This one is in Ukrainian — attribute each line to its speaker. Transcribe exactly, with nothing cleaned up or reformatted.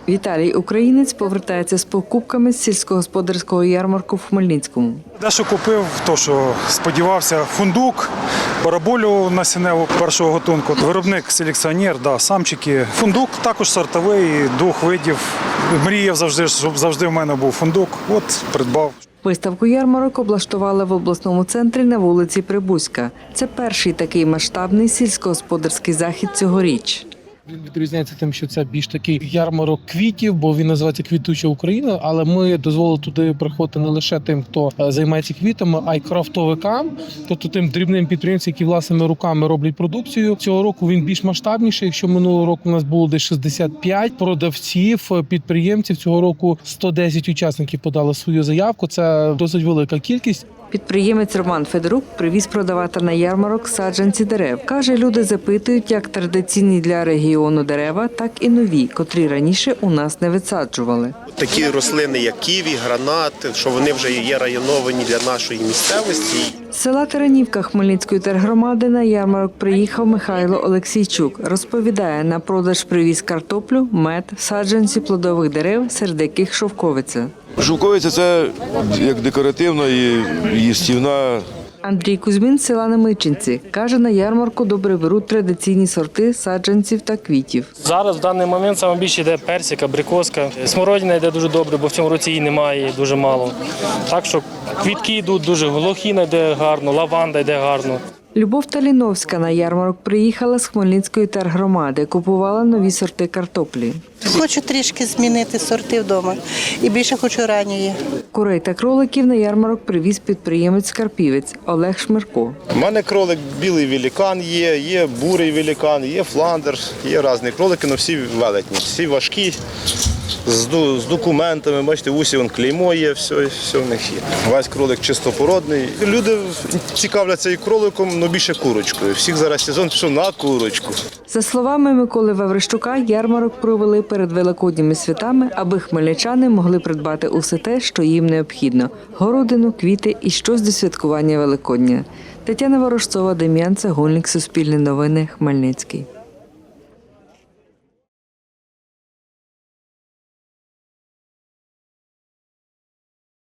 Speaker 1: Віталій Українець повертається з покупками з сільськогосподарського ярмарку в Хмельницькому.
Speaker 2: Дещо купив, то що сподівався, фундук, бараболю насінневу першого готунку. Виробник селекціонер, да, самчики. Фундук також сортовий, двох видів. Мріяв завжди, щоб завжди в мене був фундук. От придбав.
Speaker 1: Виставку ярмарок облаштували в обласному центрі на вулиці Прибузька. Це перший такий масштабний сільськогосподарський захід цьогоріч.
Speaker 3: Він відрізняється тим, що це більш такий ярмарок квітів, бо він називається «Квітуча Україна», але ми дозволили туди приходити не лише тим, хто займається квітами, а й крафтовикам, тобто тим дрібним підприємцям, які власними руками роблять продукцію. Цього року він більш масштабніший. Якщо минулого року у нас було десь шістдесят п'ять продавців, підприємців, цього року сто десять учасників подали свою заявку. Це досить велика кількість.
Speaker 1: Підприємець Роман Федорук привіз продавати на ярмарок саджанці дерев. Каже, люди запитують як традиційні для регіону дерева, так і нові, котрі раніше у нас не висаджували.
Speaker 4: Такі рослини, як ківі, гранат, що вони вже є районовані для нашої місцевості.
Speaker 1: З села Таранівка Хмельницької тергромади на ярмарок приїхав Михайло Олексійчук. Розповідає, на продаж привіз картоплю, мед, саджанці плодових дерев, серед яких шовковиця.
Speaker 5: Шовковиця – це як декоративна і їстівна.
Speaker 1: Андрій Кузьмін з села Немичинці. Каже, на ярмарку добре беруть традиційні сорти саджанців та квітів.
Speaker 6: Зараз в даний момент саме більше йде персик, абрикоска. Смородина йде дуже добре, бо в цьому році її немає, дуже мало. Так що квітки йдуть дуже, лохіна йде гарно, лаванда йде гарно.
Speaker 1: Любов Таліновська на ярмарок приїхала з Хмельницької тергромади, купувала нові сорти картоплі.
Speaker 7: Хочу трішки змінити сорти вдома і більше хочу ранньої.
Speaker 1: Курей та кроликів на ярмарок привіз підприємець-карпівець Олег Шмирко.
Speaker 4: У мене кролик білий великан є, є бурий великан, є фландер, є різні кролики, але всі велетні, всі важкі, з, з документами, бачите, в усі вон клеймо є, все, все в них є. Весь кролик чистопородний. Люди цікавляться і кроликом, але більше курочкою. Всіх зараз сезон пішов на курочку.
Speaker 1: За словами Миколи Ваврищука, ярмарок провели перед великодніми святами, аби хмельничани могли придбати усе те, що їм необхідно – городину, квіти і щось до святкування Великодня. Тетяна Ворожцова, Дем'ян Цегольник, Суспільне новини, Хмельницький.